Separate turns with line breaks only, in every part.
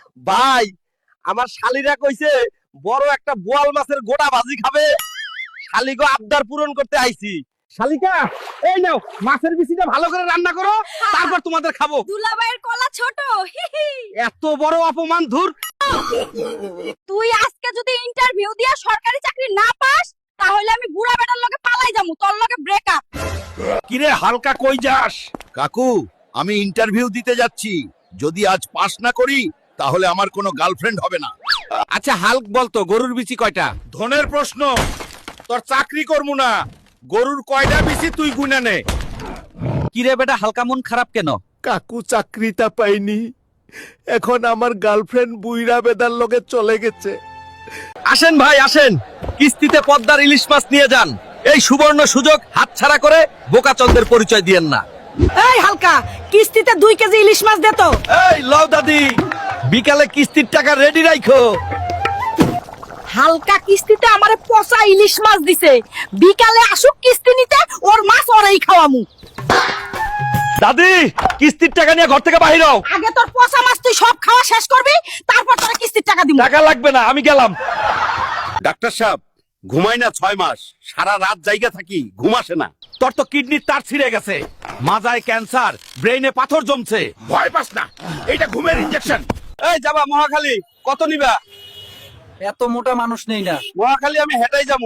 ভাই আমার শালিরা কইছে বড় একটা বোয়াল মাছের গোটা ভাজি খাবে। শালিগো আবদার পূরণ করতে আইছি। শালিকা এই নাও মাছের বিচিটা ভালো করে রান্না করো, তারপর তোমাদের খাবো।
দুলাভাইয়ের কলা ছোট।
এত বড় অপমান! ধুর।
তুই আজকে যদি ইন্টারভিউ দিয়া সরকারি চাকরি না পাস তাহলে আমি বুড়া বেটার লগে পালাই যামু, তোর লগে ব্রেকআপ।
কিরে হালকা কই যাস?
কাকু, আমি ইন্টারভিউ দিতে যাচ্ছি। যদি আজ পাস না করি তাহলে আমার কোনো গার্লফ্রেন্ড হবে না।
আচ্ছা হালক বলতো গরুর বিচি কয়টা?
ধনের প্রশ্ন, তোর চাকরি করবো না। গরুর কয়টা বিচি তুই গুনে নে।
কিরে বেটা হালকা মন খারাপ কেন?
কাকু চাকরিটা পাইনি, এখন আমার গার্লফ্রেন্ড বুইরা বেদার লগে চলে গেছে।
আসেন ভাই আসেন, কিস্তিতে পদ্মার ইলিশ মাছ নিয়ে যান। এই সুবর্ণ সুযোগ হাতছাড়া করে বোকাচন্দের পরিচয় দিয়েন না।
এই হালকা, কিস্তিতে 2 কেজি ইলিশ মাছ দে তো।
এই লও দাদি, বিকালে কিস্তির টাকা রেডি রাখো।
হালকা কিস্তিতে আমারে পচা ইলিশ মাছ দিছে, বিকালে আসুক কিস্তি নিতে, ওর মাছ ওরেই খাওয়ামু।
দাদি কিস্তির টাকা নিয়ে ঘর থেকে বাহির হও।
আগে তোর পচা মাছ তুই সব খাওয়া শেষ করবি, তারপর তোর কিস্তির টাকা দিমু।
টাকা লাগবে না, আমি গেলাম।
ডাক্তার সাহেব, ঘুমাই না 6 মাস, সারা রাত জায়গা থাকি, ঘুম আসে না।
তোর তো কিডনির তার ছিঁড়ে গেছে, মাজায় ক্যান্সার, ব্রেইনে পাথর জমছে।
ভয় পাস না, এটা ঘুমের ইনজেকশন।
এই যাবা মহাখালী, কত নিবা?
এত মোটা মানুষ নেই না।
মহাখালী আমি হেঁটাই যাবো।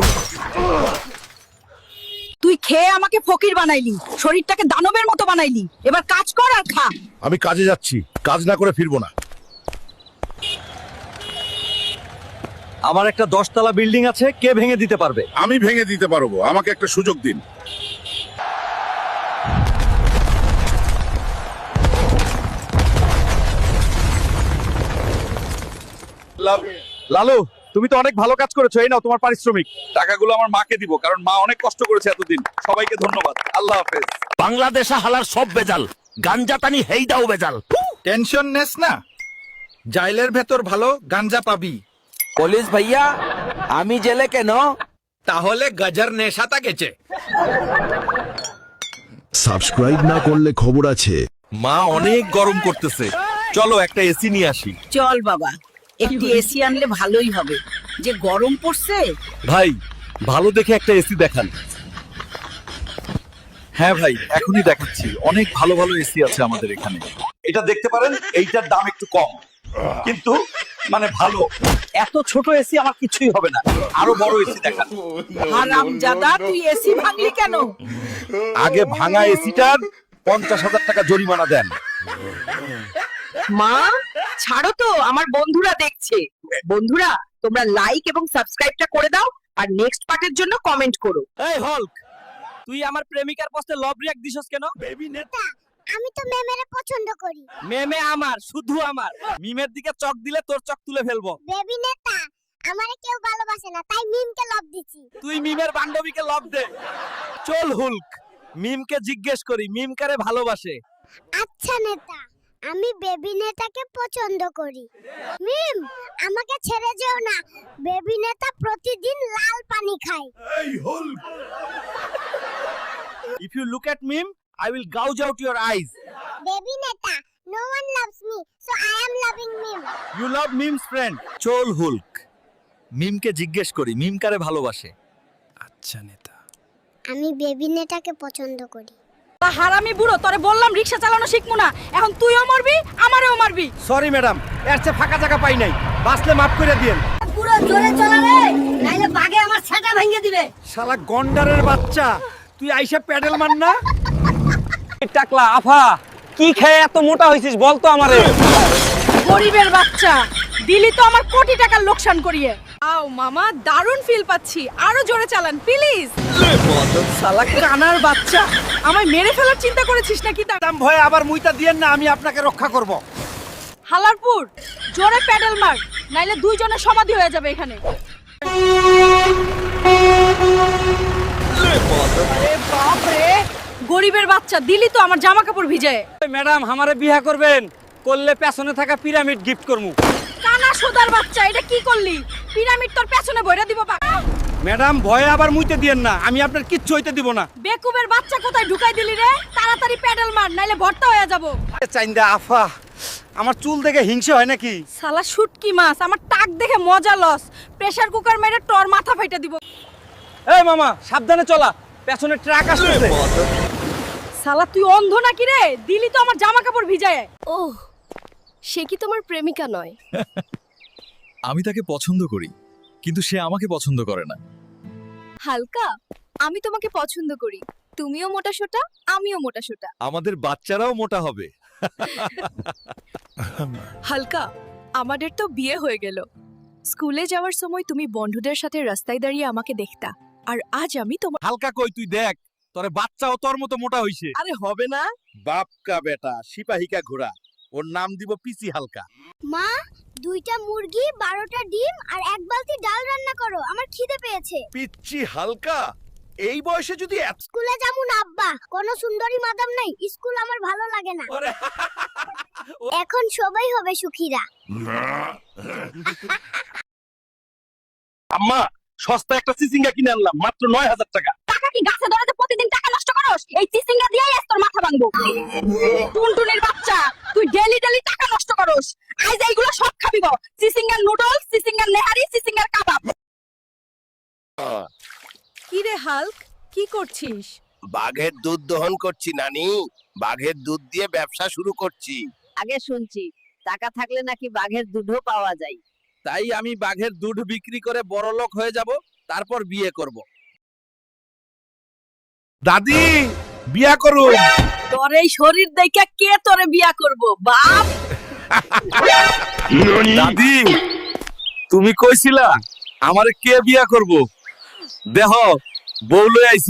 তুই খেয়ে আমাকে ফকির বানাইলি, শরীরটাকে দানবের মতো বানাইলি। এবার কাজ কর আর খা।
আমি কাজে যাচ্ছি, কাজ না করে ফিরবো না।
আমার একটা 10 তলা বিল্ডিং আছে, কে ভেঙে দিতে পারবে?
আমি ভেঙে দিতে পারবো, আমাকে একটা সুযোগ দিন।
লালু তুমি তো অনেক ভালো কাজ করেছো, এই নাও তোমার পারিশ্রমিক। টাকাগুলো আমার মাকে দিব, কারণ মা অনেক কষ্ট করেছে এতদিন। সবাইকে ধন্যবাদ, আল্লাহ হাফেজ।
বাংলাদেশে হালার সব বেজাল, গাঞ্জা টানি হেইডাও বেজাল।
টেনশন নেস না, জাইলের ভেতর ভালো গাঞ্জা পাবি।
পুলিশ ভাইয়া, আমি জেলে কেন?
তাহলে গজর নেশাতা গেছে।
সাবস্ক্রাইব না করলে খবর আছে।
মা অনেক গরম করতেছে, চলো একটা এসি নিয়ে আসি।
চল বাবা, একটি এসি আনলে ভালোই হবে, যে গরম পড়ছে।
ভাই ভালো দেখে একটা এসি দেখান। হ্যাঁ ভাই এখনই দেখাচ্ছি, অনেক ভালো ভালো এসি আছে আমাদের এখানে। এটা দেখতে পারেন, এইটার দাম একটু কম, কিন্তু মানে ভালো। এত ছোট এসি আমার কিছুই হবে না, আরো বড় এসি দেখান।
হারামজাদা, তুই এসি ভাঙলি কেন?
আগে ভাঙা এসিটার 50,000 টাকা জরিমানা দেন।
মা ছাড়ো তো, আমার বন্ধুরা দেখছে। বন্ধুরা তোমরা লাইক এবং সাবস্ক্রাইবটা করে দাও, আর নেক্সট পার্টের জন্য কমেন্ট করো।
এই হল্ক, তুই আমার প্রেমিকার পোস্টে লভ রিঅ্যাক্ট দিছস কেন? বেবি নেতা,
আমি তো মেমেরে পছন্দ করি।
মেমে আমার, শুধু আমার। মিমের দিকে চক দিলে তোর চক তুলে ফেলবো।
বেবি নেতা, আমারে কেউ ভালোবাসে না, তাই মিমকে লাভ দিছি।
তুই মিমের বান্ধবীকে লভ দে। চল হুলক, মিমকে জিজ্ঞেস করি মিম কারে ভালোবাসে।
আচ্ছা নেতা, আমি বেবি নেতাকে পছন্দ করি। মিম, আমাকে ছেড়ে যেও না। বেবি নেতা প্রতিদিন লাল পানি খায়।
If you look at meme, I will gouge out your eyes.
Baby নেতা, no one loves me, so I am loving mim.
You love meme's friend. চল হুলক, মিমকে জিজ্ঞেস করি মিম কারে ভালোবাসে।
আচ্ছা নেতা,
আমি বেবি নেতাকে পছন্দ করি।
হারামি বুড়ো, তোরে বললাম রিকশা চালানো শিখমু না, এখন তুইও মারবি আমারেও মারবি।
সরি ম্যাডাম, এর চেয়ে ফাঁকা জায়গা পাই নাই, বাসলে মাফ করে দিয়েন।
পুরো জোরে চলা রে, নাইলে বাগে আমার ছাতা ভেঙে দিবে।
শালা গন্ডারের বাচ্চা, তুই আইসা প্যাডেল মার না। টাকলা আফা, কি খেয়ে এত মোটা হইছিস বলতো আমারে?
গরিবের বাচ্চা, দিলি তো আমার কোটি টাকার লোকসান করিয়ে। আও মামা, দারুণ ফিল পাচ্ছি, আরো জোরে চালান প্লিজ। শালা কানার বাচ্চা, আমায় মেরে ফেলার চিন্তা করেছিস নাকি?
দাম ভয়ে আবার মুইতা দিয়েন না, আমি আপনাকে রক্ষা করব।
হালারপুর, জোরে প্যাডেল মার, নাইলে দুইজনের সমাধি হয়ে যাবে এখানে। আরে বাপ রে, গরিবের বাচ্চা, দিলি তো আমার জামা কাপড় ভিজে।
ম্যাডাম আমারে বিয়া করবেন, করলে পেছনে থাকা পিরামিড গিফট করমু।
কানা সোদার বাচ্চা, এটা কি করলি? পিরামিড তোর পেছনে বইরা দিব বা।
ম্যাডাম ভয়ে আবার মুইতে দিয়েন না, আমি আপনার কিচ্ছু হইতে দিব না।
বেকুবের বাচ্চা কোথায় ঢুকাই দিলি রে? তাড়াতাড়ি প্যাডেল মার, নাইলে ভর্তা হয়ে যাব।
চাইন্দা আফা, আমার চুল দেখে হিংসে হয় নাকি?
শালা শুটকি মাছ আমার টাক দেখে মজা লস প্রেসার কুকার মেরে তোর মাথা ফাইটা দিব
এই মামা সাবধানে চলা, পেছনে ট্রাক আসছে।
শালা তুই অন্ধ নাকি রে দিলি তো আমার জামা কাপড় ভিজায়
ও সে কি তোমার প্রেমিকা নয়?
আমি তাকে পছন্দ করি কিন্তু সে আমাকে পছন্দ করে না।
হালকা আমি তোমাকে পছন্দ করি, তুমিও মোটা সোটা আমিও মোটা সোটা।
আমাদের বাচ্চারাও মোটা হবে।
হালকা আমাদের তো বিয়ে হয়ে গেল, স্কুলে যাওয়ার সময় তুমি বন্ধুদের সাথে রাস্তায় দাঁড়িয়ে আমাকে দেখতা, আর আজ আমি তোমার
হালকা কই তুই দেখ, তোরে বাচ্চাও তোর মতো মোটা হইছে।
আরে হবে না।
বাপকা বেটা সিপাহিকা ঘোড়া, ওর নাম দিব পিসি হালকা।
মা 2টা মুরগি 12টা ডিম আর 1 বালতি ডাল রান্না করো, আমার খিদে পেয়েছে।
পিচ্ছি হালকা, এই বয়সে যদি
স্কুলে যাবো না আব্বা, কোনো সুন্দরী মাদাম নাই, স্কুল আমার ভালো লাগে না। এখন সবাই হবে সুখীরা।
আম্মা সস্তা একটা চিচিঙ্গা কিনে আনলাম মাত্র 9000 টাকা।
টাকা কি গাছে ধরে প্রতিদিন টাকা নষ্ট করস? এই চিচিঙ্গা দিয়েই আজ তোর মাথা ভাঙবো। টুনটুনির বাচ্চা তুই ডেলি ডেলি টাকা নষ্ট করস, আজ এইগুলো সব খাবি গো। চিচিঙ্গার নুডলস, চিচিঙ্গার নেহারি, চিচিঙ্গার কাবাব। কি রে হাল্ক কি করছিস?
বাঘের দুধ দহন করছি নানি, বাঘের দুধ দিয়ে ব্যবসা শুরু করছি।
আগে শুনছি টাকা থাকলে নাকি বাঘের দুধও পাওয়া যায়।
তাই আমি বাঘের দুধ বিক্রি করে বড়লোক হয়ে যাব, তারপর বিয়ে করব।
দাদি বিয়া করুন।
তোর এই শরীর দেখে কে তোরে বিয়া করব বাপ?
দাদি তুমি কইছিলা আমারে কে বিয়া করব, দেহ বউ লই আইছি।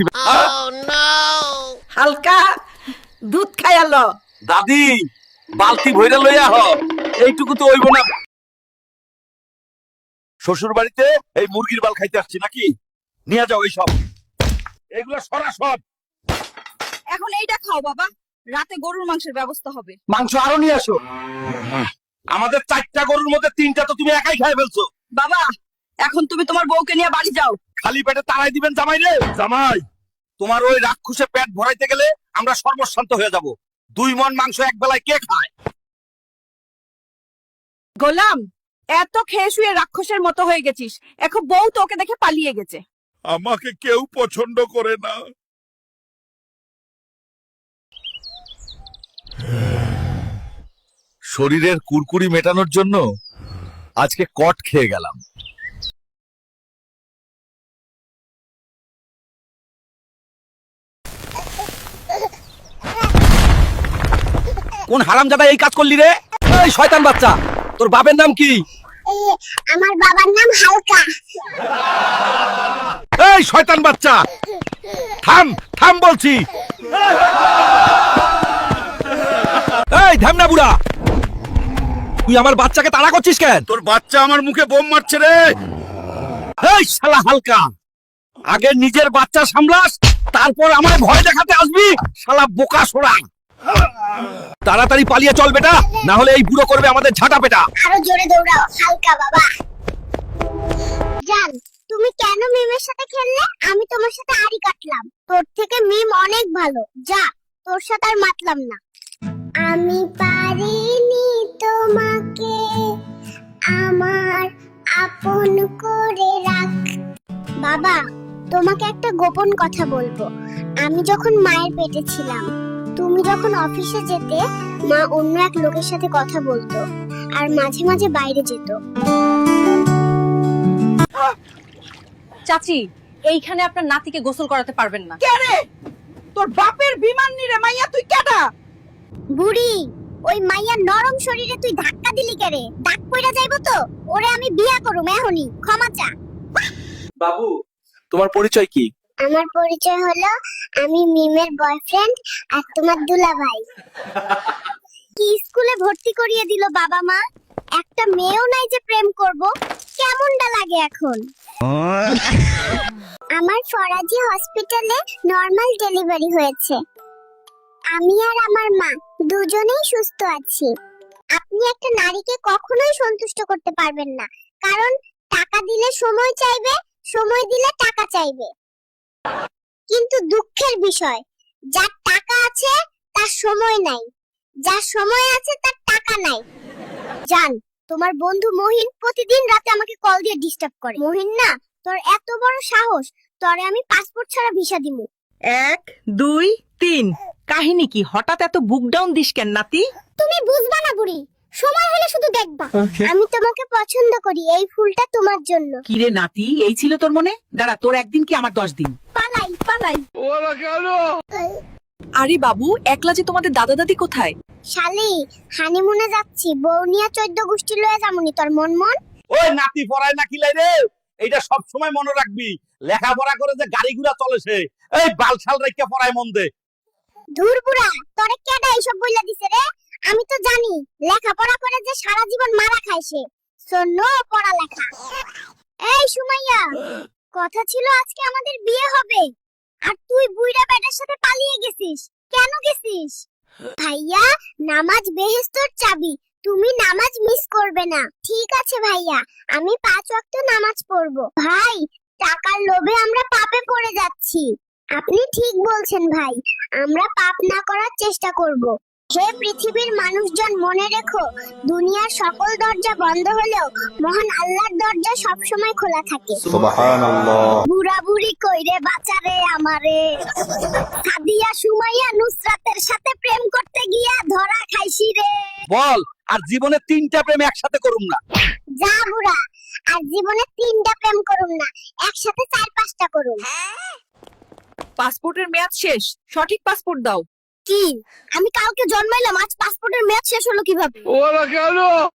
হালকা দুধ খাইয়ালো।
দাদি বালতি ভইরা লইয়া হ, এইটুকু তো হইব না। শ্বশুর বাড়িতে এই মুরগির বাল খাইতে আসছি নাকি? নিয়ে যাও এই সব, এগুলো সরা সব।
এখন এইটা খাও বাবা, রাতে গরুর মাংসের ব্যবস্থা হবে।
মাংস আরো নিয়ে আসো। আমাদের 4টা গরুর মধ্যে 3টা তো তুমি একাই খাই ফেলছো।
বাবা এখন তুমি তোমার বউকে নিয়ে বাড়ি যাও।
খালি পেটে তাড়াই দিবেন জামাই রে। জামাই তোমার ওই রাক্ষসে পেট ভরাইতে গেলে আমরা সর্বশান্ত হয়ে যাব। 2 মণ মাংস এক বেলায় কে খায়?
গোলাম এত খেয়ে শুয়ে রাক্ষসের মতো হয়ে গেছিস, এখন বউ তোকে দেখে পালিয়ে গেছে।
আমাকে কেউ পছন্দ করে না।
শরীরের কুরকুরি মেটানোর জন্য আজকে কট খেয়ে গেলাম।
কোন হারামজাদা এই কাজ করলি রে? এই শয়তান বাচ্চা, তোর বাপের নাম কি?
আমার বাবার নাম হালকা।
এই শয়তান বাচ্চা, থাম থাম বলছি। এই ধামনা বুড়া, তুই আমার বাচ্চাকে তাড়া করছিস কেন?
তোর বাচ্চা আমার মুখে বোম মারছে রে।
এই শালা হালকা, আগে নিজের বাচ্চা সামলাস, তারপর আমায় ভয় দেখাতে আসবি। শালা বোকা সোড়া, তাড়াতাড়ি পালিয়ে চল বেটা, না হলে এই বুড়ো করবে আমাদের ঝাঁটা পেটা।
আরো জোরে দৌড়াও হালকা বাবা। জান তুমি কেন মিমের সাথে খেললে? আমি তোমার সাথে আড়ি কাটলাম। তোর থেকে মিম অনেক ভালো, যা তোর সাথে আর মাতলাম না। আমি পারিনি তোমাকে আমার আপন করে রাখ। বাবা তোমাকে একটা গোপন কথা বলবো। আমি যখন মায়ের পেটে ছিলাম, তুমি যখন অফিসে যেতে, মা অন্য এক লোকের সাথে কথা বলতো আর মাঝে মাঝে বাইরে যেত।
চাচি এইখানে আপনার নাতিকে গোসল করাতে পারবেন না।
কে রে? তোর বাপের বিমান নিরে মাইয়া তুই কেডা?
বুড়ি ওই মাইয়ার নরম শরীরে তুই ধাক্কা দিলি কেরে? দাগ পইরা যাইবো তো। ওরে আমি বিয়া করুম এখনই, ক্ষমা চা।
বাবু তোমার পরিচয় কি?
আমার পরিচয় হলো আমি মিমের বয়ফ্রেন্ড আর তোমার দুলাভাই। কি স্কুলে ভর্তি করিয়ে দিল বাবা মা, একটা মেয়েও নাই যে প্রেম করব। কেমনটা লাগে এখন? আমার ফরাজি হসপিটালে নরমাল ডেলিভারি হয়েছে। আমি আর আমার মা দুজনেই সুস্থ আছি। আপনি একটা নারীকে কখনোই সন্তুষ্ট করতে পারবেন না, কারণ টাকা দিলে সময় চাইবে, সময় দিলে টাকা চাইবে। কিন্তু দুঃখের বিষয়, যার টাকা আছে তার সময় নাই, যার সময় আছে তার টাকা নাই। জান, তোমার বন্ধু মহিন প্রতিদিন রাতে আমাকে কল দিয়ে ডিস্টার্ব করে। মহিন না, তোর এত বড় সাহস, তোরে আমি পাসপোর্ট ছাড়া ভিসা দিমু।
1 2 3 কাহিনী কি? হঠাৎ এত বুক ডাউন দিস কেন নাতি?
তুমি বুঝবা না বুড়ি, সময় হলে শুধু দেখবা। আমি তোমাকে পছন্দ করি, এই ফুলটা তোমার জন্য।
কি রে নাতি, এই ছিল তোর মনে? দাঁড়া, তোর একদিন কি আমার 10 দিন?
পালাই পালাই।
আরে বাবু, একলা যে তোমাদের দাদা দাদি কোথায়?
শালি, হানিমুনে যাচ্ছি, বউ নিয়ে 14 গোষ্ঠী লয়ে যামুনি। তোর মন মন
ওই নাতি পড়ায় না কিলাই রে, এইটা সব সময় মনে রাখবি। লেখাপড়া করে যে গাড়ি ঘোড়া চলে সে, এই বালছাল রেখে পড়ায় মন দে।
ধুর বুড়া, তোরে কেডা এইসব বইলা দিছে রে? আমি তো জানি লেখাপড়া করে যে সারা জীবন মারা খায় সে। শোনো পড়ালেখা। এই সুমাইয়া, কথা ছিল আজকে আমাদের বিয়ে হবে, আর তুই বুইড়া বেটার সাথে পালিয়ে গেছিস। কেন গেছিস? ভাইয়া, নামাজ বেহেশতের চাবি, তুমি নামাজ মিস করবে না। ঠিক আছে ভাইয়া, আমি 5 ওয়াক্ত নামাজ পড়বো। ভাই, টাকার লোভে আমরা পাপে পড়ে যাচ্ছি। আপনি ঠিক বলছেন ভাই, আমরা পাপ না করার চেষ্টা করব। হে পৃথিবীর মানুষজন, মনে রেখো, দুনিয়ার সকল দরজা বন্ধ হলেও মহান আল্লাহর দরজা সব সময় খোলা থাকে। বুড়া বুড়ি কইরে বাঁচারে আমারে। সাদিয়া সুমাইয়া নুসরাতের সাথে প্রেম করতে গিয়া ধরা খাইছি রে।
বল, আর জীবনে 3টা প্রেম একসাথে করুম না।
যা বুড়া, আর জীবনে 3টা প্রেম করুম না, একসাথে 4-5টা করুম।
পাসপোর্টের মেয়াদ শেষ, সঠিক পাসপোর্ট দাও।
কি? আমি কালকে জন্মাইলাম, আজ পাসপোর্টের মেয়াদ শেষ হলো কিভাবে?